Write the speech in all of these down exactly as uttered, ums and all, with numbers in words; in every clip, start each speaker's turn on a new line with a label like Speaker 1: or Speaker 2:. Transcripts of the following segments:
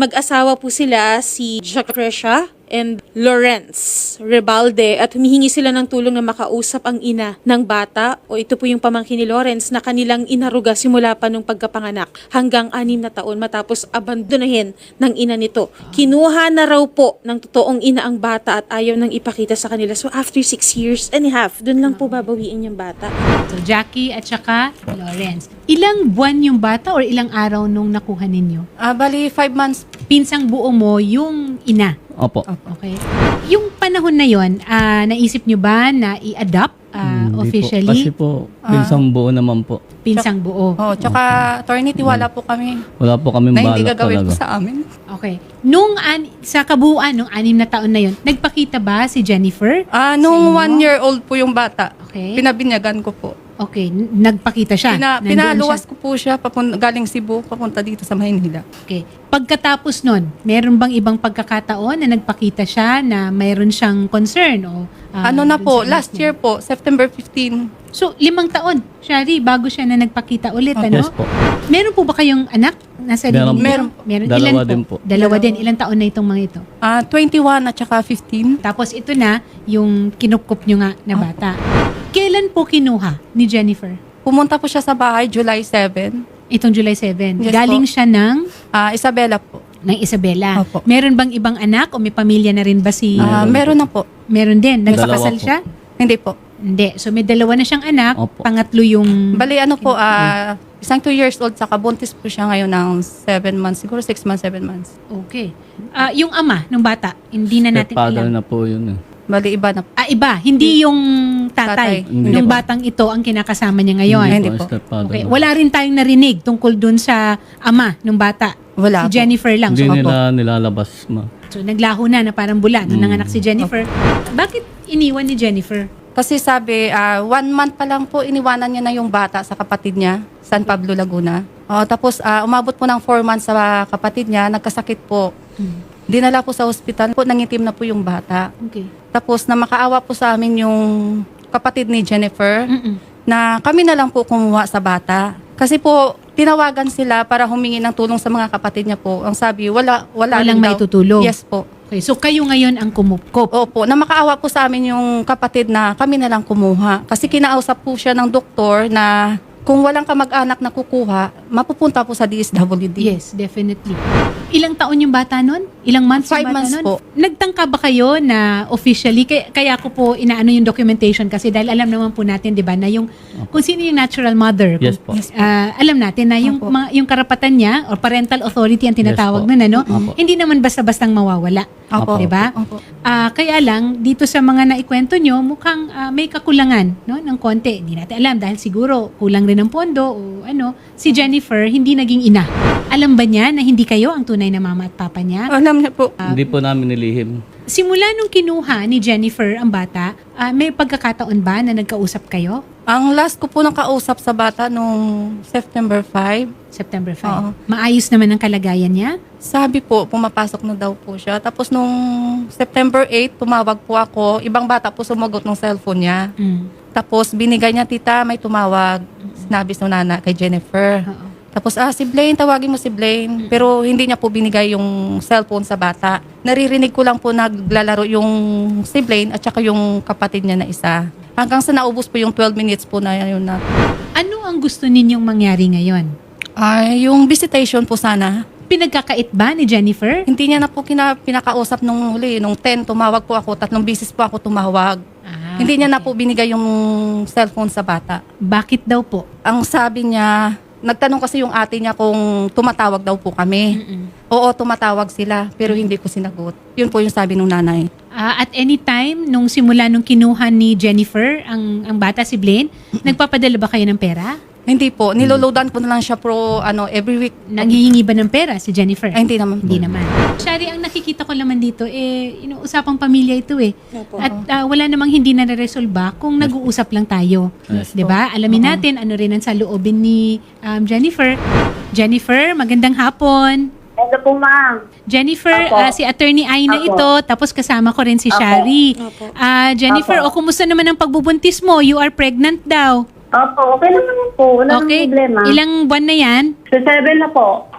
Speaker 1: Mag-asawa po sila si Jacresha and Lawrence Rebalde at humihingi sila ng tulong na makausap ang ina ng bata o ito po yung pamangkin ni Lawrence na kanilang inaruga simula pa nung pagkapanganak hanggang anim na taon matapos abandonahin ng ina nito. Kinuha na raw po ng totoong ina ang bata at ayaw nang ipakita sa kanila. So after six years and a half, dun lang po babawiin yung bata.
Speaker 2: So Jackie at saka Lawrence. Ilang buwan yung bata or ilang araw nung nakuha ninyo?
Speaker 3: Ah, bali, five months.
Speaker 2: Pinsang buo mo yung ina.
Speaker 4: Opo.
Speaker 2: Okay. Yung panahon na yon, ah, naisip nyo ba na i-adopt ah,
Speaker 4: Hindi
Speaker 2: officially?
Speaker 4: Po. Kasi po, pinsang buo naman po.
Speaker 2: Pinsang buo.
Speaker 3: Oh, tsaka, attorney, tiwala po kami
Speaker 4: Wala po kami
Speaker 3: na hindi
Speaker 4: balak
Speaker 3: gagawin
Speaker 4: talaga.
Speaker 3: po sa amin.
Speaker 2: Okay. Nung an sa kabuuan, nung anim na taon na yon, nagpakita ba si Jennifer?
Speaker 3: Ah,
Speaker 2: Sa
Speaker 3: nung
Speaker 2: inyo?
Speaker 3: one year old po yung bata,
Speaker 2: Okay.
Speaker 3: pinabinyagan ko po.
Speaker 2: Okay. n- Nagpakita siya?
Speaker 3: Pina,
Speaker 2: Nandun
Speaker 3: pinaluwas
Speaker 2: siya?
Speaker 3: ko po siya papun- galing Cebu, papunta dito sa Maynila.
Speaker 2: Okay. Pagkatapos nun, meron bang ibang pagkakataon na nagpakita siya na mayroon siyang concern? O, ah,
Speaker 3: ano na
Speaker 2: dun
Speaker 3: po,
Speaker 2: sa anak
Speaker 3: last
Speaker 2: niya?
Speaker 3: year po, September fifteenth.
Speaker 2: So, limang taon, Shari, bago siya na nagpakita ulit, ano?
Speaker 4: Yes po.
Speaker 2: Meron po ba kayong anak? Nasa
Speaker 4: Meron
Speaker 2: linya?
Speaker 3: po. Meron
Speaker 2: po. Meron.
Speaker 4: Dalawa
Speaker 2: Ilan
Speaker 4: din po.
Speaker 2: Dalawa din. Ilang taon na itong mga ito?
Speaker 3: Ah, twenty-one at saka fifteen.
Speaker 2: Tapos ito na, yung kinupkup nyo nga na bata. Kailan po kinuha ni Jennifer?
Speaker 3: Pumunta po siya sa bahay July seventh.
Speaker 2: Itong July seventh.
Speaker 3: Yes
Speaker 2: Galing
Speaker 3: po.
Speaker 2: siya ng,
Speaker 3: Ah, Isabela po.
Speaker 2: ng Isabela.
Speaker 3: Opo.
Speaker 2: Meron bang ibang anak o may pamilya na rin ba si...
Speaker 3: Ah, meron na po.
Speaker 2: Meron din.
Speaker 4: Dalawa
Speaker 2: Nagpakasal
Speaker 4: po.
Speaker 2: siya?
Speaker 3: Hindi po.
Speaker 2: Hindi. So may dalawa na siyang anak.
Speaker 4: Opo.
Speaker 2: Pangatlo yung...
Speaker 3: Bali, ano po, ah, isang two years old, saka buntis po siya ngayon ng seven months. Siguro six months, seven months.
Speaker 2: Okay. Ah, yung ama ng bata, hindi na natin
Speaker 4: Stepfather
Speaker 2: alam.
Speaker 4: na po yun eh.
Speaker 3: Bali, iba na po.
Speaker 2: Ah, iba. Hindi yung tatay.
Speaker 3: Tatay.
Speaker 4: Hindi
Speaker 2: Yung
Speaker 4: po.
Speaker 2: batang ito ang kinakasama niya ngayon.
Speaker 3: Hindi po.
Speaker 4: stepfather
Speaker 2: Okay.
Speaker 4: na.
Speaker 2: Wala rin tayong narinig tungkol dun sa ama ng bata.
Speaker 3: Wala
Speaker 2: Si
Speaker 3: po.
Speaker 2: Jennifer lang.
Speaker 4: Hindi
Speaker 2: So,
Speaker 4: nila nilalabas ma.
Speaker 2: so naglaho na na parang bula nung
Speaker 4: Mm.
Speaker 2: nanganak si Jennifer. Bakit iniwan ni Jennifer?
Speaker 3: Kasi sabi, ah, one month pa lang po, iniwanan niya na yung bata sa kapatid niya, San Pablo, Laguna. Oh, tapos, ah, umabot po ng four months sa kapatid niya, nagkasakit po.
Speaker 2: Hmm.
Speaker 3: Dinala po sa ospital po, nangitim na po yung bata.
Speaker 2: Okay.
Speaker 3: Tapos, na makaawa po sa amin yung kapatid ni Jennifer,
Speaker 2: Mm-mm.
Speaker 3: na kami na lang po kumuha sa bata. Kasi po, tinawagan sila para humingi ng tulong sa mga kapatid niya po. Ang sabi, wala, wala
Speaker 2: Walang
Speaker 3: rin
Speaker 2: may
Speaker 3: daw.
Speaker 2: tutulong.
Speaker 3: Yes po.
Speaker 2: Okay. So kayo ngayon ang kumupkop.
Speaker 3: Opo, na makaawa po sa amin yung kapatid na kami na lang kumuha. Kasi kinausap po siya ng doktor na kung walang kamag-anak na kukuha, mapupunta po sa D S W D.
Speaker 2: Yes, definitely. Ilang taon yung bata nun? Ilang months
Speaker 3: Five
Speaker 2: yung bata
Speaker 3: months
Speaker 2: nun?
Speaker 3: po.
Speaker 2: Nagtangka ba kayo na officially, kaya, kaya ko po inaano yung documentation kasi dahil alam naman po natin, di ba, na yung, kung sino yung natural mother.
Speaker 4: Yes
Speaker 2: kung,
Speaker 4: po.
Speaker 2: ah, alam natin na yung,
Speaker 3: Opo.
Speaker 2: mga, yung karapatan niya or parental authority ang tinatawag
Speaker 4: Yes po.
Speaker 2: nun, ano?
Speaker 4: Opo.
Speaker 2: Hindi naman basta-bastang mawawala.
Speaker 3: Opo.
Speaker 2: Di ba?
Speaker 3: Opo.
Speaker 2: Ah, kaya lang, dito sa mga naikwento nyo, mukhang ah, may kakulangan no, ng konti. Hindi natin alam dahil siguro kulang rin ng pondo o ano. Si Jennifer, hindi naging ina. Alam ba niya na hindi kayo ang tunay na mama at papa niya?
Speaker 3: Alam niya po.
Speaker 4: Hindi po namin nilihim.
Speaker 2: Simula nung kinuha ni Jennifer ang bata, ah, may pagkakataon ba na nagkausap kayo?
Speaker 3: Ang last ko po nakausap sa bata nung September five,
Speaker 2: September fifth.
Speaker 3: Oo.
Speaker 2: Maayos naman ang kalagayan niya?
Speaker 3: sabi po, pumapasok na daw po siya. Tapos nung September eighth, tumawag po ako. Ibang bata po sumagot ng cellphone niya.
Speaker 2: Mm.
Speaker 3: Tapos binigay niya, tita, may tumawag. Sinabi sa nana kay Jennifer.
Speaker 2: Oo.
Speaker 3: Tapos, ah, si Blaine, tawagin mo si Blaine. Pero hindi niya po binigay yung cellphone sa bata. Naririnig ko lang po naglalaro yung si Blaine at saka yung kapatid niya na isa. Hanggang sa naubos po yung twelve minutes po na yun na.
Speaker 2: Ano ang gusto ninyong mangyari ngayon?
Speaker 3: Ay, yung visitation po sana.
Speaker 2: Pinagkakait ba ni Jennifer?
Speaker 3: Hindi niya na po kina, pinakausap nung huli. Nung ten, tumawag po ako. Tatlong bisis po ako tumawag.
Speaker 2: Ah,
Speaker 3: hindi niya na
Speaker 2: okay.
Speaker 3: po binigay yung cellphone sa bata.
Speaker 2: Bakit daw po?
Speaker 3: Ang sabi niya, nagtanong kasi yung ate niya kung tumatawag daw po kami.
Speaker 2: Mm-mm.
Speaker 3: Oo, tumatawag sila, pero hindi ko sinagot. Yun po yung sabi nung nanay.
Speaker 2: Ah, at any time, nung simula nung kinuha ni Jennifer, ang, ang bata si Blaine, nagpapadala ba kayo ng pera?
Speaker 3: Hindi po, niloloadan ko na lang siya pro, ano, every week.
Speaker 2: Nanghihingi ba ng pera si Jennifer?
Speaker 3: Ay, hindi naman.
Speaker 2: Hindi naman. Shari, ang nakikita ko naman dito, eh, inuusapang pamilya ito eh.
Speaker 1: Opo.
Speaker 2: At ah, wala namang hindi na resolba kung nag-uusap lang tayo.
Speaker 4: Yes.
Speaker 2: 'Di ba? Alamin natin ano rin ang saloobin ni um, Jennifer. Jennifer, magandang hapon.
Speaker 5: Hello po, ma'am.
Speaker 2: Jennifer,
Speaker 5: Apo.
Speaker 2: ah, si Attorney Aina
Speaker 5: Apo.
Speaker 2: ito, tapos kasama ko rin si
Speaker 5: Apo.
Speaker 2: Shari.
Speaker 1: Apo.
Speaker 2: Ah, Jennifer,
Speaker 5: Apo.
Speaker 2: o kumusta naman ang pagbubuntis mo? You are pregnant daw.
Speaker 5: Opo, okay naman po. Wala
Speaker 2: Okay.
Speaker 5: namang problema.
Speaker 2: Ilang buwan na yan?
Speaker 5: Sa seven na po.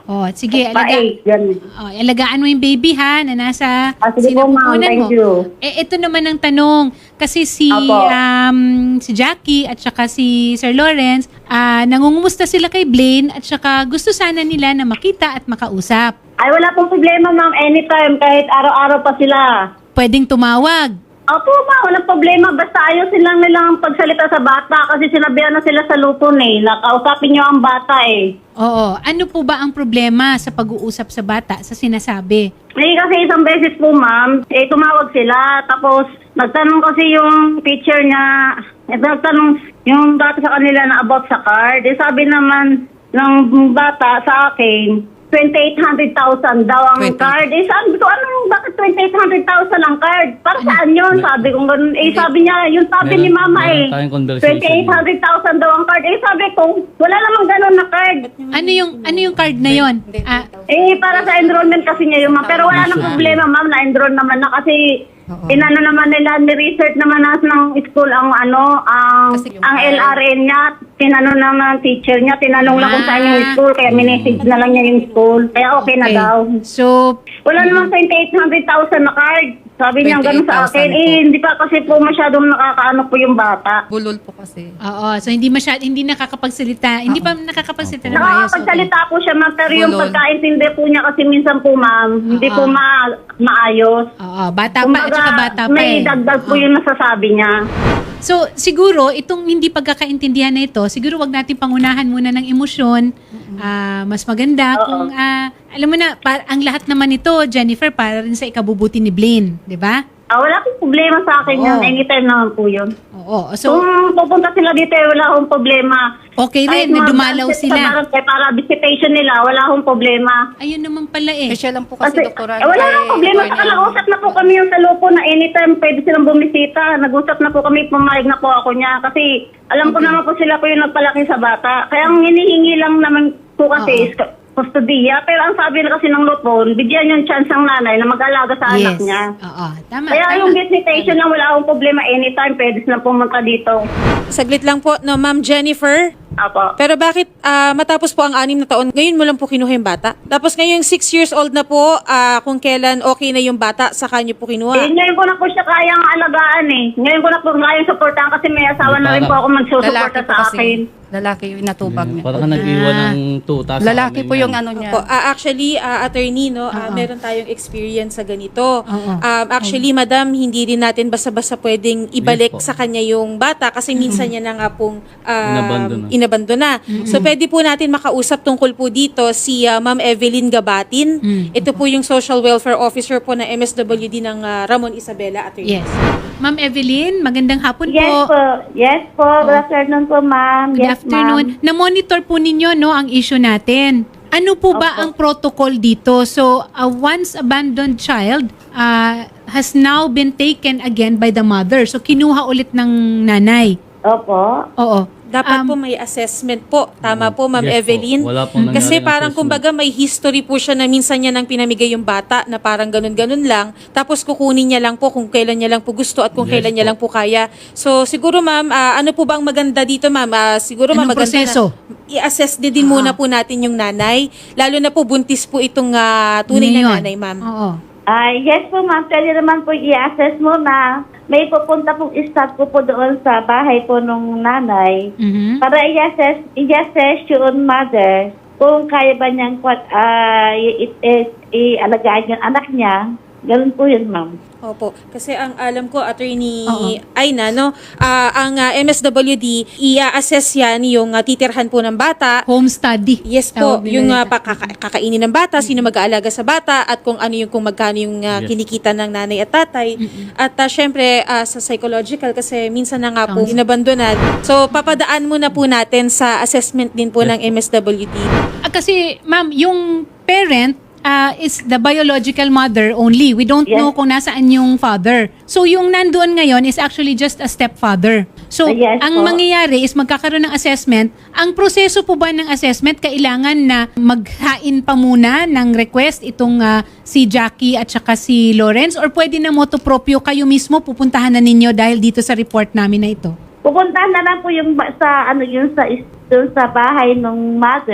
Speaker 2: Oh, sige,
Speaker 5: Pa
Speaker 2: alaga,
Speaker 5: eight, ganun.
Speaker 2: oh, alagaan mo yung baby ha, na nasa
Speaker 5: Ah, sige po, ma'am.
Speaker 2: sinapupunan
Speaker 5: Thank
Speaker 2: mo.
Speaker 5: you.
Speaker 2: Eh, ito naman ang tanong. Kasi si,
Speaker 5: Apo.
Speaker 2: um, si Jackie at saka si Sir Lawrence, ah, nangungumusta sila kay Blaine at saka gusto sana nila na makita at makausap.
Speaker 5: Ay, wala pong problema, ma'am. Anytime, kahit araw-araw pa sila.
Speaker 2: Pwedeng tumawag.
Speaker 5: Opo, ma, walang problema. Basta ayusin lang nilang pagsalita sa bata kasi sinabihan na sila sa lupon eh. Nakausapin niyo ang bata eh.
Speaker 2: Oo. Ano po ba ang problema sa pag-uusap sa bata sa sinasabi?
Speaker 5: Eh, kasi isang beses po, ma'am, eh, tumawag sila. Tapos, nagtanong kasi yung teacher niya, eh, nagtanong yung bata sa kanila na about sa card. Eh, sabi naman ng bata sa akin, twenty-eight hundred thousand daw ang
Speaker 3: twenty.
Speaker 5: card. Eh, sabi ko, ano, bakit twenty-eight hundred thousand ang card? Para saan yun? Sabi ko, ganun. Eh, sabi niya, yung sabi ni
Speaker 4: Meron-
Speaker 5: mama
Speaker 4: meron
Speaker 5: eh,
Speaker 4: tayong conversation.
Speaker 5: twenty-eight hundred thousand daw ang card. Eh, sabi ko, wala namang ganun na card.
Speaker 2: Ano yung ano yung card na yon? Ah,
Speaker 5: Eh, para sa enrollment kasi niya yung ma'am. Pero wala nang problema, ma'am. Na-enroll naman na kasi inano naman nila, ni-research naman na ng school ang ano, ang,
Speaker 3: Kasi yung
Speaker 5: ang
Speaker 3: card.
Speaker 5: L R N niya. Tinanong naman ng teacher niya. Tinanong lang kung saan yung
Speaker 2: Ah.
Speaker 5: school. Kaya minessage na lang niya yung school. Kaya okay, na
Speaker 2: okay.
Speaker 5: daw.
Speaker 2: So,
Speaker 5: Wala namang twenty-eight hundred thousand na card. Sabi niya ganun sa akin.
Speaker 3: twenty-eight thousand po.
Speaker 5: Eh, hindi pa kasi po masyadong nakakaano po yung bata.
Speaker 3: Bulol po kasi.
Speaker 2: oo. So, hindi masyad, hindi nakakapagsalita. Hindi pa nakakapagsalita na maayos. Okay.
Speaker 5: Nakakapagsalita po siya, ma'am. Pero yung
Speaker 3: Bulol.
Speaker 5: pagkaintindi po niya kasi minsan po, ma'am, hindi
Speaker 2: Oo.
Speaker 5: po ma- maayos.
Speaker 2: Oo. Bata pa at saka bata pa
Speaker 5: may
Speaker 2: eh.
Speaker 5: dagdag po yung nasasabi niya.
Speaker 2: So, siguro, itong hindi pagkakaintindihan na ito, siguro wag natin pangunahan muna ng emosyon. Ah, mas maganda
Speaker 5: Oo.
Speaker 2: kung, ah, alam mo na, par- ang lahat naman ito, Jennifer, para rin sa ikabubuti ni Blaine. Di ba?
Speaker 5: Ah, wala pong problema sa akin
Speaker 2: Oo.
Speaker 5: yun. Anytime naman po yun.
Speaker 2: Oo. So,
Speaker 5: Kung pupunta sila dito, eh, wala akong problema.
Speaker 2: okay rin,
Speaker 5: Kahit
Speaker 2: na
Speaker 5: mga
Speaker 2: dumalaw
Speaker 5: transit
Speaker 2: sila.
Speaker 5: Sa barangay para visitation nila, wala akong problema.
Speaker 2: ayun naman pala eh.
Speaker 3: Eh, siya lang po kasi,
Speaker 5: Kasi,
Speaker 3: doktora.
Speaker 5: eh, wala
Speaker 3: kay
Speaker 5: nang problema.
Speaker 3: attorney.
Speaker 5: Saka nag-usap na po kami yung sa lupo na anytime pwede silang bumisita. Nag-usap na po kami, pumayag na po ako niya. Kasi alam ko naman po sila po yung nagpalaki sa bata. Kaya ang hinihingi lang naman po kasi is kustodiya. Pero ang sabi na kasi ng lupon, bigyan yung chance ng nanay na mag-alaga sa anak niya.
Speaker 2: Oo. Tama.
Speaker 5: Kaya
Speaker 2: tama.
Speaker 5: yung visitation lang, wala akong problema. Anytime pwede silang pumunta dito.
Speaker 1: Saglit lang po, no, Ma'am Jennifer.
Speaker 5: Apo.
Speaker 1: Pero bakit ah, matapos po ang anim na taon, ngayon mo lang po kinuha yung bata? Tapos ngayon six years old na po, ah, kung kailan okay na yung bata, saka niyo po
Speaker 5: Eh,
Speaker 1: kinuha.
Speaker 5: ngayon ko na po siya kayang alagaan eh. Ngayon ko na po kayang supportahan kasi may asawa na rin po ako magsusuporta
Speaker 3: Lalaki po
Speaker 5: sa
Speaker 3: kasi.
Speaker 5: akin.
Speaker 3: Lalaki yung natubag niya.
Speaker 4: Para ka nag-iwan ng tuta sa
Speaker 3: Lalaki
Speaker 4: amin
Speaker 3: po
Speaker 4: yan.
Speaker 3: yung ano niya.
Speaker 1: Po, ah, actually, ah, attorney, no, ah, meron tayong experience sa ganito.
Speaker 2: Oo.
Speaker 1: Um, actually, madam, hindi rin natin basta-basta pwedeng ibalik
Speaker 4: Yes po.
Speaker 1: sa kanya yung bata kasi minsan niya na nga pong um,
Speaker 4: Inabandona.
Speaker 1: inabandona. So, pwede po natin makausap tungkol po dito si ah, Ma'am Evelyn Gabatin.
Speaker 2: Mm.
Speaker 1: Ito po yung Social Welfare Officer po ng M S W D ng ah, Ramon Isabela, attorney.
Speaker 2: Yes. Ma'am Evelyn, magandang hapon
Speaker 5: Yes
Speaker 2: po.
Speaker 5: po. Yes po. Good afternoon po, ma'am.
Speaker 2: Good
Speaker 5: Yes,
Speaker 2: afternoon.
Speaker 5: ma'am.
Speaker 2: Na-monitor po ninyo no ang issue natin. Ano po ba
Speaker 5: Opo.
Speaker 2: ang protocol dito? So, a once abandoned child uh, has now been taken again by the mother. So, kinuha ulit ng nanay.
Speaker 5: Opo.
Speaker 2: Oo.
Speaker 1: Dapat
Speaker 2: Um,
Speaker 1: po may assessment po. Tama po, Ma'am
Speaker 4: Yes po.
Speaker 1: Evelyn.
Speaker 4: Wala pong nangyaring
Speaker 1: Kasi parang
Speaker 4: assessment.
Speaker 1: kumbaga may history po siya na minsan niya nang pinamigay yung bata na parang ganun-ganun lang. Tapos kukunin niya lang po kung kailan niya lang po gusto at kung
Speaker 4: Yes
Speaker 1: kailan niya
Speaker 4: po.
Speaker 1: lang po kaya. So siguro ma'am, ah, ano po ba ang maganda dito ma'am? Ah, siguro ma'am
Speaker 2: Anong
Speaker 1: maganda
Speaker 2: proseso?
Speaker 1: na i-assess din, din muna po natin yung nanay. Lalo na po buntis po itong ah, tunay
Speaker 2: ngayon.
Speaker 1: na nanay ma'am.
Speaker 2: Oo.
Speaker 5: Ah, yes po, ma'am. Pwede naman po i-assess mo na may pupunta pong staff ko po doon sa bahay po nung nanay
Speaker 2: Mhm.
Speaker 5: para i-assess, i-assess yung mother kung kaya ba niyang uh, i- i- i-alagaan yung anak niya. Ganun po yun, ma'am.
Speaker 1: Opo. Kasi ang alam ko, Attorney
Speaker 2: Oo.
Speaker 1: Aina, no, ah, ang ah, M S W D, i-assess yan yung ah, titirhan po ng bata.
Speaker 2: Home study.
Speaker 1: Yes po,
Speaker 2: Tawag nila
Speaker 1: yung uh,
Speaker 2: dito.
Speaker 1: pakaka- kakainin ng bata, sino mag-aalaga sa bata, at kung ano yung kung magkano yung uh,
Speaker 4: Yes.
Speaker 1: kinikita ng nanay at tatay. At uh, syempre, uh, sa psychological, kasi minsan na nga po
Speaker 2: Counseling.
Speaker 1: inabandonan. So, papadaan muna po natin sa assessment din po
Speaker 4: Yes
Speaker 1: ng M S W D.
Speaker 2: Ah, kasi, ma'am, yung parent ah, is the biological mother only. We don't
Speaker 5: Yes.
Speaker 2: know kung nasaan yung father. So, yung nandoon ngayon is actually just a stepfather. So,
Speaker 5: Ah, yes
Speaker 2: ang
Speaker 5: po.
Speaker 2: mangyayari is magkakaroon ng assessment. Ang proseso po ba ng assessment, kailangan na maghain pa muna ng request itong ah, si Jackie at saka si Lawrence, or pwede na motu proprio kayo mismo pupuntahan na ninyo dahil dito sa report namin na ito?
Speaker 5: Pupuntahan na lang po yung ba- sa ano yung sa is- doon sa bahay ng mother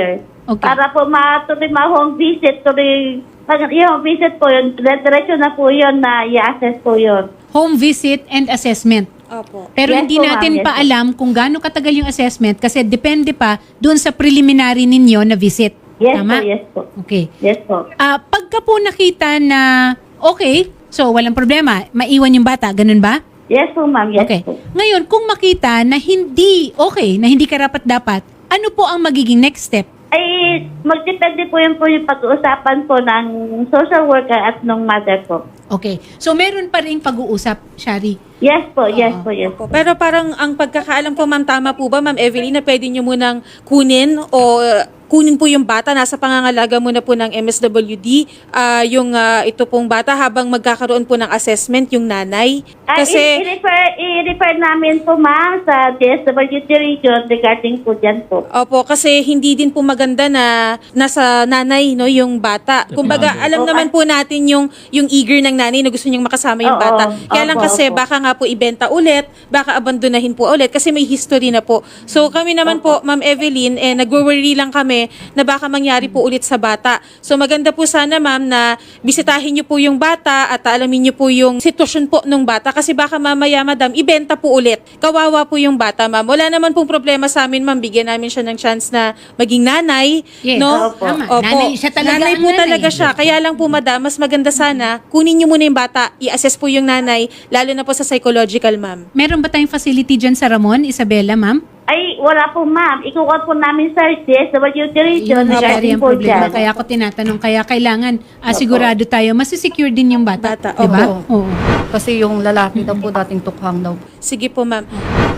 Speaker 2: Okay.
Speaker 5: Para po matuloy ma-home visit, tuloy, pag yung visit po yun, diretso na po yun na i-assess po yun.
Speaker 2: Home visit and assessment.
Speaker 1: Opo.
Speaker 2: Pero
Speaker 5: Yes
Speaker 2: hindi
Speaker 5: po, ma'am.
Speaker 2: natin
Speaker 5: Yes
Speaker 2: pa
Speaker 5: po.
Speaker 2: alam kung gaano katagal yung assessment kasi depende pa doon sa preliminary ninyo na visit.
Speaker 5: Yes
Speaker 2: Tama?
Speaker 5: po, yes po.
Speaker 2: Okay.
Speaker 5: Yes po.
Speaker 2: Ah, pagka po nakita na okay, so walang problema, maiwan yung bata, ganun ba?
Speaker 5: Yes po, ma'am. Yes
Speaker 2: Okay.
Speaker 5: po.
Speaker 2: Ngayon, kung makita na hindi okay, na hindi karapat-dapat, ano po ang magiging next step?
Speaker 5: Ay, magdepende po yun po yung pag-uusapan po ng social worker at ng mother po.
Speaker 2: Okay. So, meron pa rin pag-uusap, Shari.
Speaker 5: Yes po, yes po, yes po.
Speaker 1: Opo. Pero parang ang pagkakaalam ko, ma'am, tama po ba, ma'am Evelyn, na pwede nyo munang kunin o uh, kunin po yung bata, nasa pangangalaga muna po ng M S W D, ah, yung ah, ito pong bata habang magkakaroon po ng assessment yung nanay.
Speaker 5: Ay,
Speaker 1: Kasi,
Speaker 5: i- i-refer, i-refer namin po, ma'am, sa D S W D region regarding po dyan po.
Speaker 1: opo, kasi hindi din po maganda na nasa nanay, no, yung bata. Kumbaga, alam naman po natin yung yung eager ng nanay na gusto niyang makasama yung
Speaker 5: Oo,
Speaker 1: bata. Kaya lang
Speaker 5: opo,
Speaker 1: kasi
Speaker 5: opo.
Speaker 1: baka nga po ibenta ulit, baka abandonahin po ulit kasi may history na po. So kami naman po, Ma'am Evelyn, eh nagwo-worry lang kami na baka mangyari po ulit sa bata. So maganda po sana, ma'am, na bisitahin niyo po yung bata at alamin niyo po yung sitwasyon po ng bata kasi baka mamaya, madam, ibenta po ulit. Kawawa po yung bata, ma'am. Wala naman pong problema sa amin, ma'am. Bigyan namin siya ng chance na maging nanay.
Speaker 2: Yes.
Speaker 1: No?
Speaker 5: Opo.
Speaker 2: Tama.
Speaker 1: Opo.
Speaker 2: Nanay siya talaga
Speaker 1: Nanay
Speaker 2: ang
Speaker 1: po
Speaker 2: nanay.
Speaker 1: talaga siya. Kaya lang po, madam, mas maganda sana, kunin niyo muna yung bata, i-assess po yung nanay, lalo na po sa psychological, ma'am.
Speaker 2: Meron ba tayong facility dyan sa Ramon, Isabela, ma'am?
Speaker 5: Ay, wala po, ma'am. Ikukuha po namin sa D S W D region
Speaker 2: Yun, Shari,
Speaker 5: regarding
Speaker 2: ang
Speaker 5: po
Speaker 2: problema.
Speaker 5: dyan.
Speaker 2: Kaya ako tinatanong, kaya kailangan ah, sigurado tayo, masisecure din yung bata.
Speaker 1: Bata,
Speaker 2: Diba?
Speaker 3: opo.
Speaker 2: Oo.
Speaker 3: Kasi yung lalaki daw po dating tukhang daw.
Speaker 1: Sige po, ma'am.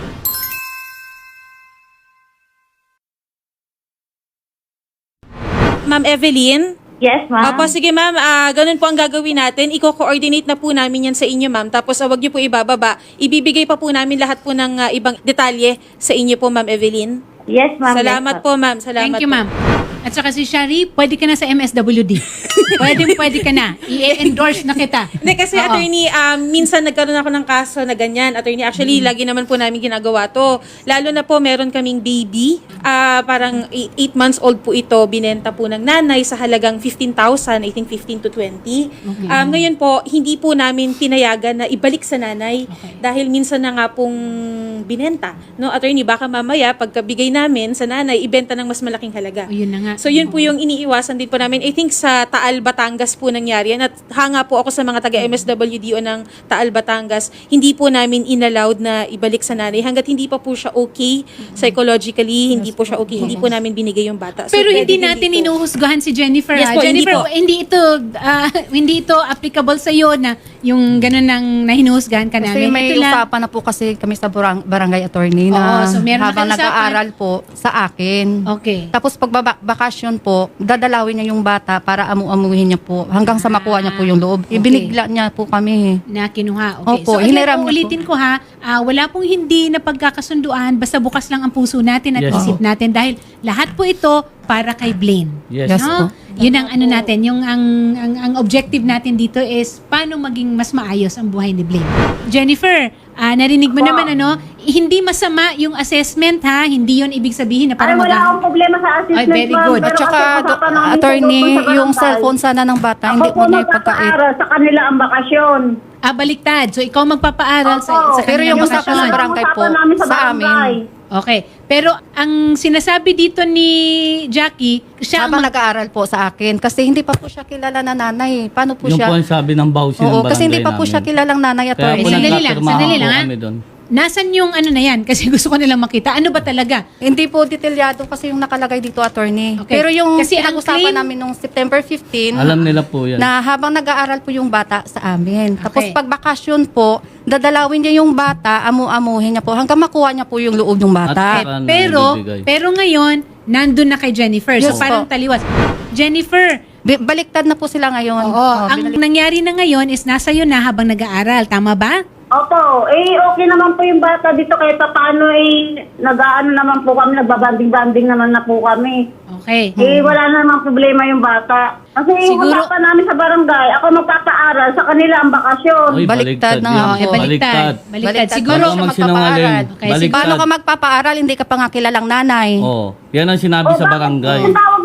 Speaker 1: Ma'am Evelyn?
Speaker 5: Yes, ma'am.
Speaker 1: Opo, sige ma'am, ah, ganun po ang gagawin natin. Iko-coordinate na po namin yan sa inyo, ma'am. Tapos ah, wag niyo po ibababa. Ibibigay pa po namin lahat po ng ah, ibang detalye sa inyo po, ma'am Evelyn.
Speaker 5: Yes, ma'am.
Speaker 1: Salamat
Speaker 5: yes,
Speaker 1: po, ma'am. Salamat
Speaker 2: Thank you,
Speaker 1: po.
Speaker 2: ma'am. At saka si Shari, pwede ka na sa M S W D. pwede, pwede ka na. I-endorse na kita.
Speaker 1: Hindi, kasi
Speaker 2: Oo.
Speaker 1: attorney, um, minsan nagkaroon ako ng kaso na ganyan. Attorney, actually,
Speaker 2: Mm.
Speaker 1: lagi naman po namin ginagawa to. Lalo na po, meron kaming baby. ah parang eight months old po ito. Binenta po ng nanay sa halagang fifteen thousand, I think fifteen to twenty.
Speaker 2: Okay.
Speaker 1: Um, ngayon po, hindi po namin pinayagan na ibalik sa nanay.
Speaker 2: Okay.
Speaker 1: Dahil minsan na nga pong binenta. No, attorney, baka mamaya, pagkabigay namin sa nanay, ibenta ng mas malaking halaga.
Speaker 2: O, yun na nga.
Speaker 1: So yun po yung iniiwasan din po namin. I think sa Taal, Batangas po nangyari yan. At hanga po ako sa mga taga-M S W D o ng Taal, Batangas. Hindi po namin inallowed na ibalik sa nanay. Hanggat hindi pa po siya okay psychologically, hindi po siya okay. Hindi po namin binigay yung bata. So,
Speaker 2: Pero
Speaker 1: pwede
Speaker 2: hindi
Speaker 1: din
Speaker 2: natin
Speaker 1: dito.
Speaker 2: inuhusgahan si Jennifer.
Speaker 1: Yes
Speaker 2: ha?
Speaker 1: po, hindi
Speaker 2: Jennifer,
Speaker 1: po.
Speaker 2: hindi ito ah, hindi ito applicable sa iyo na yung ganun nang nahinuhusgahan ka
Speaker 3: Kasi
Speaker 2: namin.
Speaker 3: may
Speaker 2: Ito lang-
Speaker 3: usapan na po kasi kami sa barang- barangay attorney
Speaker 2: Oo,
Speaker 3: na
Speaker 2: so meron na
Speaker 3: habang
Speaker 2: kayo usapan.
Speaker 3: nag-aaral po sa akin.
Speaker 2: Okay.
Speaker 3: Tapos pag baba- bakasyon po, dadalawin niya yung bata para amu-amuhin niya po hanggang sa makuha niya po yung loob.
Speaker 2: Okay.
Speaker 3: Ibinigla niya po kami.
Speaker 2: Na kinuha. Okay.
Speaker 3: Opo,
Speaker 2: so,
Speaker 3: hiniram niya
Speaker 2: ulitin ko ha, ah, wala pong hindi na pagkakasunduan, basta bukas lang ang puso natin at
Speaker 4: Yes.
Speaker 2: isip natin dahil lahat po ito para kay Blaine.
Speaker 4: Yes.
Speaker 3: Yes
Speaker 2: No?
Speaker 3: po.
Speaker 2: Yun ang ano natin, yung ang, ang ang objective natin dito is paano maging mas maayos ang buhay ni Blaine. Jennifer, ah, narinig mo naman ano, hindi masama yung assessment ha, hindi yon ibig sabihin na
Speaker 5: Ay,
Speaker 2: parang
Speaker 5: wala
Speaker 2: mag-
Speaker 5: akong problema sa assessment,
Speaker 2: Ay, very
Speaker 5: ma'am.
Speaker 2: good.
Speaker 5: Pero
Speaker 3: At saka,
Speaker 5: kasi
Speaker 3: do-
Speaker 5: usapan namin
Speaker 3: attorney,
Speaker 5: sa barangay.
Speaker 3: yung cellphone sana ng bata,
Speaker 5: Ako
Speaker 3: hindi
Speaker 5: po
Speaker 3: po niya ipagkait.
Speaker 5: magpapaaral sa kanila ang bakasyon.
Speaker 2: Ah, baliktad. So ikaw magpapaaral sa,
Speaker 5: Opo.
Speaker 2: sa
Speaker 3: Pero
Speaker 2: kanilang
Speaker 3: yung
Speaker 2: bakasyon.
Speaker 3: usapan sa barangay po,
Speaker 5: Usapan namin sa
Speaker 3: sa amin.
Speaker 5: barangay.
Speaker 2: Okay. Pero ang sinasabi dito ni Jackie, siya ang
Speaker 3: Habang
Speaker 2: mag-
Speaker 3: nag-aaral po sa akin. Kasi hindi pa po siya kilala na nanay. Paano po
Speaker 4: Yung
Speaker 3: siya?
Speaker 4: po ang sabi ng bawsi ng
Speaker 3: Oo,
Speaker 4: barangay
Speaker 3: kasi hindi pa po
Speaker 4: namin.
Speaker 3: siya kilalang nanay
Speaker 4: Kaya
Speaker 3: attorney.
Speaker 4: po
Speaker 2: Sandali lang,
Speaker 4: nagkapirmahan
Speaker 2: sandali
Speaker 4: po
Speaker 2: lang, ha?
Speaker 4: kami doon.
Speaker 2: Nasaan yung ano na yan? Kasi gusto ko nilang makita. Ano ba talaga?
Speaker 3: Hindi po detalyado kasi yung nakalagay dito, attorney.
Speaker 2: Okay.
Speaker 3: Pero yung
Speaker 2: Kasi ang
Speaker 3: pinag-usapan
Speaker 2: claim-
Speaker 3: namin nung September fifteenth,
Speaker 4: Alam nila po yan.
Speaker 3: na habang nag-aaral po yung bata sa amin. Tapos
Speaker 2: Okay.
Speaker 3: pag bakasyon po, dadalawin niya yung bata, amu-amuhin niya po, hanggang makuha niya po yung loob ng bata.
Speaker 4: At saka- Ano,
Speaker 2: Pero,
Speaker 4: ibibigay.
Speaker 2: pero ngayon, nandun na kay Jennifer. So
Speaker 3: Yes
Speaker 2: parang
Speaker 3: po.
Speaker 2: taliwas. Jennifer,
Speaker 3: Bi- Baliktad na po sila ngayon.
Speaker 2: oo,
Speaker 3: Oh,
Speaker 2: ang
Speaker 3: binalik-
Speaker 2: nangyari na ngayon is nasa iyo na habang nag-aaral. Tama ba?
Speaker 5: Opo, eh okay naman po yung bata dito kahit pa paano eh nag-aano naman po kami, nagbabanding-banding naman na po kami.
Speaker 2: Okay.
Speaker 5: Eh wala naman problema yung bata. Kasi
Speaker 2: Siguro-
Speaker 5: usapan namin sa barangay, ako magpapaaral sa kanila ang bakasyon.
Speaker 4: Oy,
Speaker 3: Baliktad na
Speaker 4: yan.
Speaker 3: nga
Speaker 2: Oh, eh,
Speaker 3: po.
Speaker 2: baliktad. Baliktad. Siguro,
Speaker 4: Huwag
Speaker 3: siya
Speaker 4: kang magsinungaling.
Speaker 3: magpapaaral.
Speaker 2: Okay,
Speaker 4: Baliktad.
Speaker 3: Paano ka magpapaaral, hindi ka pa nga kilalang nanay.
Speaker 4: Oh, yan ang sinabi sa
Speaker 5: bakit?
Speaker 4: barangay.
Speaker 5: Ang tawag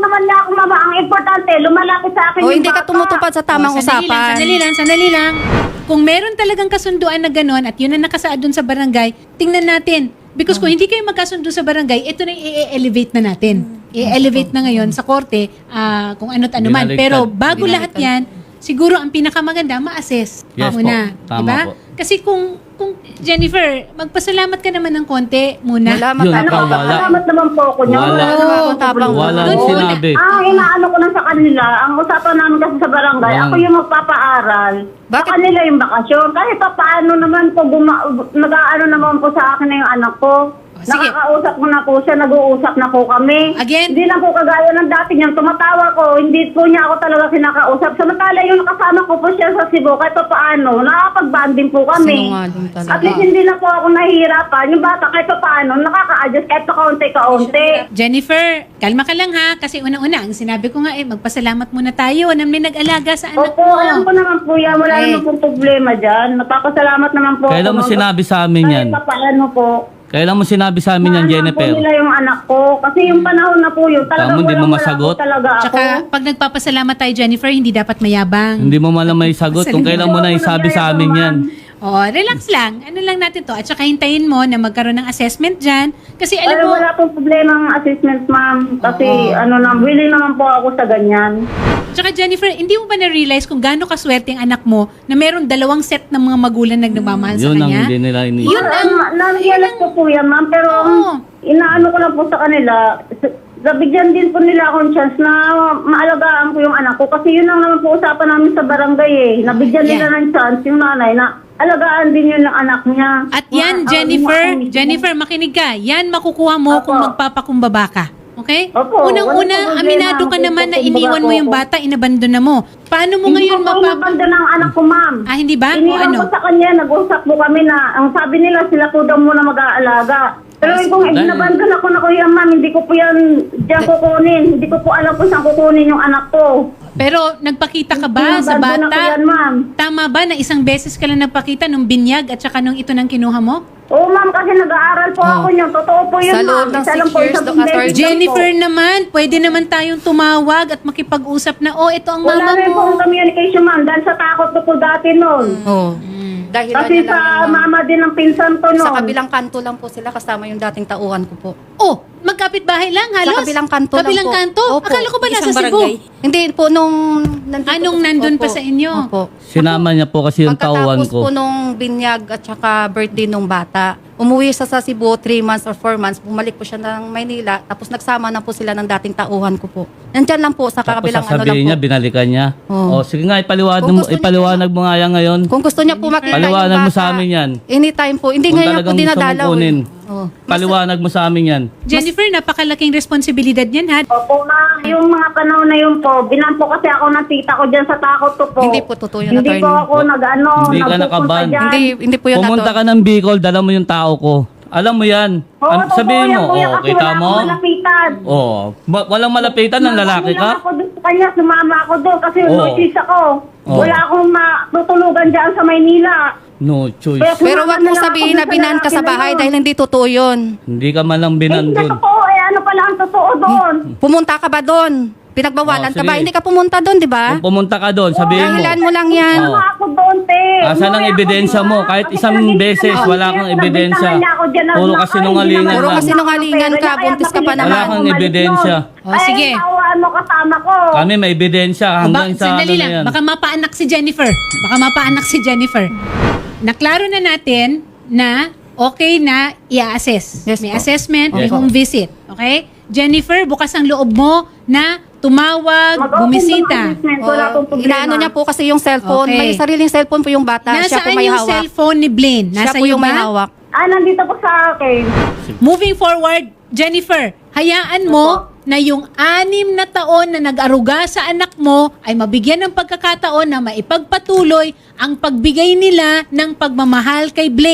Speaker 5: naman niya ako, mama. Ang importante, lumalapit sa akin
Speaker 3: O,
Speaker 5: yung
Speaker 3: hindi ka
Speaker 5: bata.
Speaker 3: tumutupad sa tamang
Speaker 2: Oh, sandali lang,
Speaker 3: usapan.
Speaker 2: sandali lang, sandali lang. Kung meron talagang kasunduan na gano'n at yun ang nakasaad dun sa barangay, tingnan natin. Because kung hindi kayo magkasundo sa barangay, ito na i-elevate na natin. I-elevate na ngayon sa korte ah, kung ano't ano man.
Speaker 4: Binaliktad.
Speaker 2: Pero bago lahat yan, siguro ang pinakamaganda, ma-assess
Speaker 4: Yes
Speaker 2: muna.
Speaker 4: po. Tama
Speaker 2: Diba?
Speaker 4: po.
Speaker 2: Kasi kung, kung Jennifer, magpasalamat ka naman ng konti muna.
Speaker 3: Wala,
Speaker 4: Yun,
Speaker 3: matapang.
Speaker 4: ikaw wala.
Speaker 5: Salamat naman po ako niya.
Speaker 4: Wala.
Speaker 5: naman akong
Speaker 3: Tabang.
Speaker 5: problema.
Speaker 4: Wala
Speaker 2: Doon
Speaker 4: nang
Speaker 2: muna.
Speaker 4: sinabi.
Speaker 5: Ang inaano ko lang sa kanila, ang usapan namin kasi sa barangay,
Speaker 4: Walang-
Speaker 5: ako yung magpapaaral.
Speaker 3: Bakit?
Speaker 5: Sa kanila yung bakasyon. Kahit pa paano naman po, guma- nag-aano naman po sa akin na yung anak ko.
Speaker 2: Oh, sige.
Speaker 5: Nakakausap ko na po siya, nag-uusap na po kami.
Speaker 2: Again?
Speaker 5: Hindi lang po kagaya ng dati niyang tumatawa ko, hindi po niya ako talaga kinakausap. Samantala yung nakasama ko po siya sa Cebu, kahit pa paano, nakakapag-banding po kami.
Speaker 3: Sinungaling talaga.
Speaker 5: At least hindi na po ako nahihirapan. Yung bata kahit pa paano, nakaka-adjust kahit pa kaunti-kaunti.
Speaker 2: Jennifer, kalma ka lang ha. Kasi unang-una, ang sinabi ko nga eh, magpasalamat muna tayo na may nag-alaga sa anak
Speaker 5: Opo,
Speaker 2: mo.
Speaker 5: alam ko naman po yan. Wala
Speaker 2: Okay.
Speaker 5: naman pong problema dyan. Napapasalamat naman po.
Speaker 4: Kailan mo
Speaker 5: ako.
Speaker 4: sinabi sa amin yan?
Speaker 5: Kahit pa paano po.
Speaker 4: Kailan mo sinabi sa amin yan,
Speaker 5: Naanak
Speaker 4: Jennifer?
Speaker 5: po nila yung anak ko. Kasi yung panahon na po yun, talagang
Speaker 4: Tama, hindi mo
Speaker 5: walang-wala
Speaker 4: masagot?
Speaker 5: po talaga ako.
Speaker 2: Tsaka, pag nagpapasalamat tayo, Jennifer, hindi dapat mayabang.
Speaker 4: Hindi mo malam may sagot kung kailan mo na isabi sa amin yan.
Speaker 2: Oh, relax lang. Ano lang natin to. At saka hintayin mo na magkaroon ng assessment dyan. Kasi
Speaker 5: Ay,
Speaker 2: alam mo,
Speaker 5: wala pong problema ang assessment, ma'am. Kasi ano na, willing naman po ako sa ganyan.
Speaker 2: tsaka Jennifer, hindi mo ba na-realize kung gaano kaswerte ang anak mo na meron dalawang set ng mga magulang na nagmamahal sa
Speaker 4: Yun ang
Speaker 2: kanya?
Speaker 4: hindi nila ini.
Speaker 2: Yun ang...
Speaker 5: Nangyayalak ko po yan, ma'am. Pero
Speaker 2: Oo.
Speaker 5: inaano ko lang po sa kanila, s- nabigyan din po nila akong chance na maalagaan ko yung anak ko. Kasi yun ang naman po usapan namin sa barangay eh. Nabigyan
Speaker 2: Yeah.
Speaker 5: nila ng chance yung nanay na alagaan din yun ng anak niya.
Speaker 2: At yan,
Speaker 5: Ma-
Speaker 2: Jennifer,
Speaker 5: ah, ma-
Speaker 2: Jennifer, makinig ka. Yan makukuha mo
Speaker 5: Opo.
Speaker 2: kung magpapakumbaba ka. Okay?
Speaker 5: Opo,
Speaker 2: Unang-una,
Speaker 5: walang problema.
Speaker 2: aminado ka naman na
Speaker 5: Magpapakumbaba
Speaker 2: iniwan mo
Speaker 5: po
Speaker 2: yung
Speaker 5: ako.
Speaker 2: bata, inabandon na mo. Paano mo
Speaker 5: Hindi
Speaker 2: ngayon
Speaker 5: ko po
Speaker 2: mapapa...
Speaker 5: inabandon ang anak ko, ma'am.
Speaker 2: Ah, hindi ba? O
Speaker 5: Iniwan
Speaker 2: ano?
Speaker 5: ko sa kanya, nag-usap po kami na, ang sabi nila, sila po daw muna mag-aalaga. Pero kung
Speaker 4: Dahil-
Speaker 5: inabandon ako na ko yan, ma'am, hindi ko po yan diyan kukunin. Hindi ko po alam kung saan kukunin yung anak ko.
Speaker 2: Pero nagpakita ka ba sa
Speaker 5: Inabandon ako
Speaker 2: bata?
Speaker 5: yan, ma'am.
Speaker 2: Tama ba na isang beses ka lang nagpakita nung binyag at saka nung ito nang kinuha mo?
Speaker 5: Oo, ma'am, kasi nag-aaral po ako niyan. Totoo po yun,
Speaker 3: Sa
Speaker 5: ma'am.
Speaker 3: loob ng
Speaker 5: Isa
Speaker 3: six
Speaker 5: lang po,
Speaker 3: years,
Speaker 5: isang
Speaker 3: Doc,
Speaker 5: beses
Speaker 3: attorney.
Speaker 5: lang po.
Speaker 2: Jennifer naman, pwede naman tayong tumawag at makipag-usap na, oh, ito ang
Speaker 5: Wala
Speaker 2: mama
Speaker 5: rin po
Speaker 2: mo.
Speaker 5: ang communication, ma'am. Dahil sa takot ko po dati noon.
Speaker 3: Oo. Dahil
Speaker 5: Kasi
Speaker 3: ano lang
Speaker 5: sa
Speaker 3: yun, ma'am.
Speaker 5: mama din ng pinsan ko noon.
Speaker 3: Sa kabilang kanto lang po sila kasama yung dating tauhan ko po.
Speaker 2: Oh, magkapit bahay lang, halos.
Speaker 3: Sa kabilang kanto lang
Speaker 2: Kabilang
Speaker 3: po.
Speaker 2: kanto?
Speaker 3: Opo.
Speaker 2: Akala ko ba nasa
Speaker 1: Isang
Speaker 2: Cebu?
Speaker 1: barangay.
Speaker 3: Hindi po nung nandito
Speaker 2: Anong
Speaker 3: po-
Speaker 2: nandun pa
Speaker 3: Opo.
Speaker 2: sa inyo?
Speaker 3: Opo.
Speaker 4: Sinama niya po kasi yung tauhan
Speaker 3: Pagkatapos
Speaker 4: ko.
Speaker 3: po nung binyag at saka birthday nung bata, umuwi siya sa Cebu three months or four months, bumalik po siya ng Maynila, tapos nagsama na po sila ng dating tauhan ko po. Nandyan lang po sa
Speaker 4: Tapos
Speaker 3: kabilang ano lang
Speaker 4: sasabihin
Speaker 3: po.
Speaker 4: niya, binalikan niya.
Speaker 3: Oo.
Speaker 4: O sige nga, ipaliwanag,
Speaker 3: Kung
Speaker 4: mo,
Speaker 3: gusto niya
Speaker 4: ipaliwanag mo nga yan ngayon.
Speaker 3: Kung gusto niya po makita
Speaker 4: Paliwanag
Speaker 3: yung
Speaker 4: mo
Speaker 3: bata,
Speaker 4: sa amin yan.
Speaker 3: anytime po. Hindi
Speaker 4: Kung
Speaker 3: ngayon po
Speaker 4: talagang gusto mong
Speaker 3: dinadalaw.
Speaker 4: kunin.
Speaker 3: eh. Oo.
Speaker 4: Paliwanag mo sa amin yan.
Speaker 2: Jennifer, napakalaking responsibilidad yan, ha?
Speaker 5: Opo, ma'am. Yung mga panahon na yun po, binampo kasi ako ng tita ko dyan sa takot ko po.
Speaker 3: Hindi po totoo yun,
Speaker 5: Hindi po
Speaker 3: attorney.
Speaker 5: ako nag-ano,
Speaker 4: Hindi ka
Speaker 5: nagpupunta
Speaker 4: nakaban.
Speaker 5: dyan.
Speaker 3: Hindi, hindi po yun
Speaker 4: Pumunta
Speaker 3: ato.
Speaker 4: ka ng Bicol, dala mo yung tao ko. Alam mo yan.
Speaker 5: Oo,
Speaker 4: An-
Speaker 5: totoo
Speaker 4: sabihin
Speaker 5: yan,
Speaker 4: mo,
Speaker 5: kuya,
Speaker 4: oh,
Speaker 5: kasi
Speaker 4: kita
Speaker 5: wala
Speaker 4: mo?
Speaker 5: akong malapitan.
Speaker 4: Oh, ba- walang malapitan ng lalaki
Speaker 5: Nagano lang
Speaker 4: ka?
Speaker 5: ako doon sa kanya, sumama ako doon kasi
Speaker 4: Oo.
Speaker 5: notice ako.
Speaker 4: Oo.
Speaker 5: Wala akong matutulugan dyan sa Maynila.
Speaker 4: No choice.
Speaker 5: Kaya
Speaker 3: Pero
Speaker 5: sumama
Speaker 3: wag
Speaker 5: na
Speaker 3: mo
Speaker 5: lang ako
Speaker 3: sabihin
Speaker 5: doon
Speaker 3: na
Speaker 5: sa
Speaker 3: binan ka sa
Speaker 5: lalaki na
Speaker 3: bahay
Speaker 5: yun.
Speaker 3: dahil hindi totoo yun.
Speaker 4: Hindi ka man lang
Speaker 5: Eh,
Speaker 4: binan
Speaker 5: hindi
Speaker 4: dun.
Speaker 5: totoo eh. Ano pala ang totoo doon?
Speaker 3: Pumunta ka ba doon? Pinagbawalan
Speaker 4: Oh,
Speaker 3: ka ba?
Speaker 4: sige.
Speaker 3: Hindi ka pumunta doon, di ba?
Speaker 4: Kung pumunta ka doon, sabihin mo.
Speaker 3: Dahilan mo lang yan.
Speaker 4: Oo.
Speaker 5: Ano ako doon, te?
Speaker 4: Asan ang
Speaker 5: Umuwi ako
Speaker 4: ebidensya
Speaker 5: doon,
Speaker 4: mo?
Speaker 5: ah.
Speaker 4: Kahit
Speaker 5: Kasi
Speaker 4: isang
Speaker 5: talagang
Speaker 4: beses,
Speaker 5: hindi
Speaker 4: wala
Speaker 5: naman
Speaker 4: kang
Speaker 5: ako
Speaker 4: ebidensya.
Speaker 5: nabintangan niya ako dyan na-
Speaker 4: Puro
Speaker 5: na-
Speaker 4: kasinungalingan
Speaker 5: ay, hindi
Speaker 3: Puro
Speaker 5: naman
Speaker 4: lang.
Speaker 3: kasinungalingan
Speaker 5: ako
Speaker 3: ka,
Speaker 5: pera.
Speaker 3: buntis ka pa
Speaker 5: Kaya
Speaker 3: naman.
Speaker 4: Wala kang
Speaker 5: bumalik
Speaker 4: ebidensya.
Speaker 5: nun.
Speaker 2: Oh,
Speaker 5: Ay,
Speaker 2: sige.
Speaker 5: tawaan mo kasama ko.
Speaker 4: Kami may ebidensya hanggang
Speaker 2: Ba-
Speaker 4: sa ano
Speaker 2: sandali
Speaker 4: na
Speaker 2: lang,
Speaker 4: yan.
Speaker 2: baka mapaanak si Jennifer. Baka mapaanak si Jennifer. Naklaro na natin na okay na i-assess.
Speaker 3: Yes
Speaker 2: may
Speaker 3: po.
Speaker 2: assessment, may
Speaker 4: Yes
Speaker 2: home visit. Okay? Jennifer, bukas ang loob mo na tumawag,
Speaker 5: Mag-open
Speaker 2: bumisita.
Speaker 5: ng assessment, wala
Speaker 3: Oo.
Speaker 5: akong problema.
Speaker 3: Inaano niya po kasi yung cellphone.
Speaker 2: Okay.
Speaker 3: May sariling cellphone po yung bata. Siya po
Speaker 2: Nasaan
Speaker 3: may
Speaker 2: yung
Speaker 3: hawak.
Speaker 2: cellphone ni Blaine?
Speaker 3: Siya
Speaker 2: Nasa
Speaker 3: po
Speaker 2: iyo
Speaker 3: yung may
Speaker 2: ba?
Speaker 3: hawak.
Speaker 5: Ah, nandito po sa akin.
Speaker 2: Moving forward, Jennifer, hayaan mo na yung anim na taon na nag-aruga sa anak mo ay mabigyan ng pagkakataon na maipagpatuloy ang pagbigay nila ng pagmamahal kay Blaine.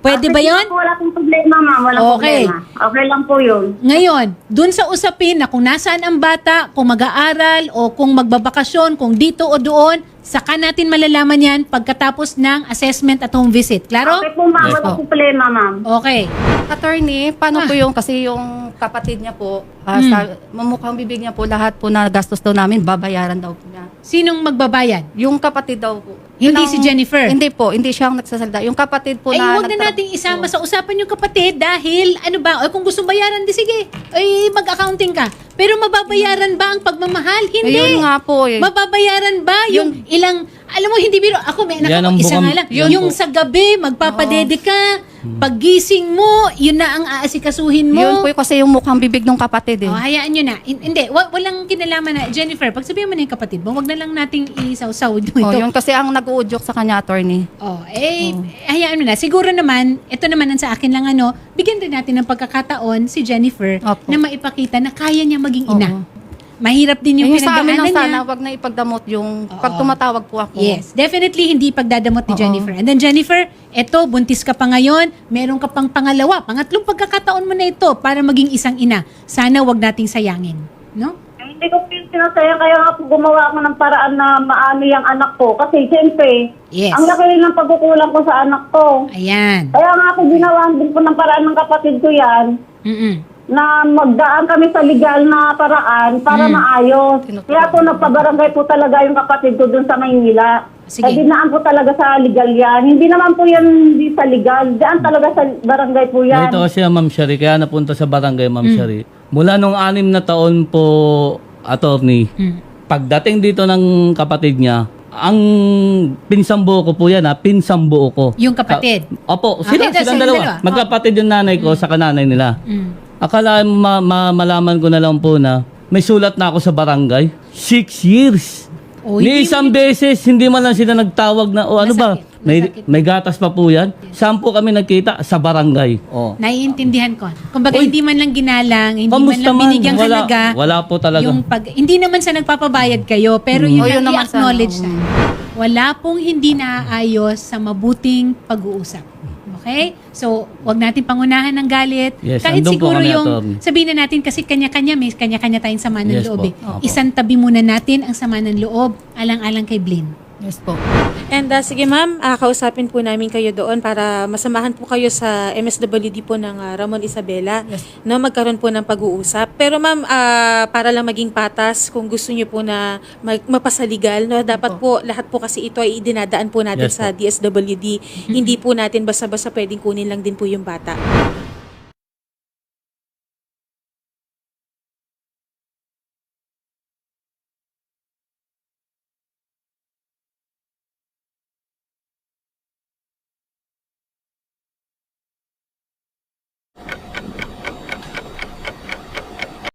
Speaker 2: Pwede ba
Speaker 5: Ah, sige
Speaker 2: yon?
Speaker 5: po, wala pong problema, ma'am. Walang
Speaker 2: Okay.
Speaker 5: problema. Okay lang po yun.
Speaker 2: Ngayon, dun sa usapin na kung nasaan ang bata, kung mag-aaral o kung magbabakasyon, kung dito o doon, saka natin malalaman yan pagkatapos ng assessment at home visit. Klaro?
Speaker 5: Okay po, ma'am.
Speaker 4: Yes
Speaker 5: Walang
Speaker 4: po.
Speaker 5: problema, ma'am.
Speaker 2: Okay.
Speaker 3: Attorney, paano
Speaker 2: Ah.
Speaker 3: po yung, kasi yung kapatid niya po, ah,
Speaker 2: Hmm.
Speaker 3: sa, mamukhang bibig niya po, lahat po na gastos daw namin, babayaran daw po niya.
Speaker 2: Sinong magbabayad?
Speaker 3: Yung kapatid daw po.
Speaker 2: Hindi
Speaker 3: Yun
Speaker 2: si Jennifer?
Speaker 3: Hindi po, hindi siya ang nagsasalita. Yung kapatid po
Speaker 2: Ay,
Speaker 3: na...
Speaker 2: huwag na
Speaker 3: nagtra-
Speaker 2: nating isama sa usapan yung kapatid dahil, ano ba, o kung gusto bayaran, di sige, ay mag-accounting ka. Pero mababayaran ba ang pagmamahal? Hindi.
Speaker 3: Ayun nga po eh.
Speaker 2: Mababayaran ba yung ilang, alam mo, hindi biro, ako may anak
Speaker 4: Yan
Speaker 2: ako,
Speaker 4: ang
Speaker 2: isa
Speaker 4: bukang-
Speaker 2: nga lang.
Speaker 4: yan
Speaker 2: Yung
Speaker 4: po.
Speaker 2: sa gabi, magpapadede ka, paggising mo, yun na ang aasikasuhin mo.
Speaker 3: Yun po kasi yung mukhang bibig ng kapatid eh.
Speaker 2: Oh, hayaan nyo na. Hin- Hindi, wa- walang kinalaman na. Jennifer, pag sabihin mo na yung kapatid mo, wag na lang nating isaw-saw ito.
Speaker 3: Oh, yun kasi ang nag-uudyok sa kanya, attorney.
Speaker 2: Oh, eh, hayaan mo na. Siguro naman, ito naman ang sa akin lang ano, bigyan din natin ng pagkakataon si Jennifer
Speaker 3: Opo.
Speaker 2: na maipakita na kaya niya maging ina.
Speaker 3: Oo.
Speaker 2: Mahirap din yung
Speaker 3: Yung sa amin
Speaker 2: pinagdaanan
Speaker 3: lang sana,
Speaker 2: niya.
Speaker 3: wag na ipagdamot yung
Speaker 2: Oo.
Speaker 3: pag tumatawag po ako.
Speaker 2: Yes, definitely hindi pagdadamot ni
Speaker 3: Oo.
Speaker 2: Jennifer. And then Jennifer, eto, buntis ka pa ngayon, meron ka pang pangalawa, pangatlong pagkakataon mo na ito para maging isang ina. Sana wag nating sayangin. No?
Speaker 5: Ay, hindi ko po sinasaya, kaya nga po gumawa ako ng paraan na maano yung anak ko. Kasi siyempre,
Speaker 2: Yes.
Speaker 5: ang laki rin ng pagkukulang ko sa anak ko.
Speaker 2: Ayan.
Speaker 5: Kaya nga ako ginawa din po ng paraan ng kapatid ko yan,
Speaker 2: Mm-mm.
Speaker 5: na magdaan kami sa legal na paraan para maayos.
Speaker 3: Tinutulungan.
Speaker 5: Kaya po nagpabarangay po talaga yung kapatid ko dun sa Maynila.
Speaker 2: Sige.
Speaker 5: Kaya dinaan po talaga sa legal yan. Hindi naman po yan hindi sa legal. Daan talaga sa barangay po yan.
Speaker 4: Ito kasi Ma'am Shari, kaya napunta sa barangay Ma'am
Speaker 2: Mm.
Speaker 4: Shari. Mula nung anim na taon po, attorney,
Speaker 2: Mm.
Speaker 4: pagdating dito ng kapatid niya, ang pinsambuo ko po yan ha, pinsambuo ko.
Speaker 2: Yung kapatid.
Speaker 4: Ka- Opo,
Speaker 2: Okay,
Speaker 4: sila,
Speaker 2: tas
Speaker 4: silang
Speaker 2: silang
Speaker 4: dalawa.
Speaker 2: dalawa.
Speaker 4: Magkapatid yung nanay ko sa kananay nila.
Speaker 2: Mm.
Speaker 4: Akala ma- ma- malaman ko na lang po na may sulat na ako sa barangay. Six years.
Speaker 2: Oh,
Speaker 4: Ni
Speaker 2: hindi-
Speaker 4: isang beses, hindi man lang sila nagtawag na, o ano ba,
Speaker 2: Masakit,
Speaker 4: may,
Speaker 2: masakit.
Speaker 4: may gatas pa po yan. Saan po kami nagkita? Sa barangay. Oh.
Speaker 2: Naiintindihan ko. Kumbaga,
Speaker 4: Uy,
Speaker 2: hindi man lang ginalang, hindi man
Speaker 4: Kamusta
Speaker 2: lang
Speaker 4: man?
Speaker 2: binigyang
Speaker 4: Wala,
Speaker 2: halaga.
Speaker 4: wala po talaga.
Speaker 2: Yung pag, hindi naman sa nagpapabayad kayo, pero yun
Speaker 3: Oh, yun
Speaker 2: lang
Speaker 3: naman sana,
Speaker 2: i-acknowledge
Speaker 3: oo.
Speaker 2: na. Wala pong hindi naaayos sa mabuting pag-uusap. Okay? So, wag natin pangunahan ng galit.
Speaker 4: Yes,
Speaker 2: Kahit
Speaker 4: andun po
Speaker 2: siguro
Speaker 4: kami,
Speaker 2: yung,
Speaker 4: attorney.
Speaker 2: sabihin na natin kasi kanya-kanya, may kanya-kanya tayong sama ng
Speaker 4: Yes
Speaker 2: loob.
Speaker 4: po.
Speaker 2: Eh.
Speaker 4: Opo.
Speaker 2: Isang tabi muna natin ang sama ng loob, alang-alang kay Blaine.
Speaker 3: Yes po.
Speaker 1: And uh, sige ma'am, ah, kausapin po namin kayo doon para masamahan po kayo sa M S W D po ng ah, Ramon Isabela
Speaker 3: Yes.
Speaker 1: na magkaroon po ng pag-uusap. Pero ma'am, ah, para lang maging patas, kung gusto niyo po na mag- mapasaligal, no, dapat po lahat po kasi ito ay idinadaan po natin
Speaker 4: Yes
Speaker 1: sa
Speaker 4: po.
Speaker 1: D S W D. Hindi po natin basta-basta pwedeng kunin lang din po yung bata.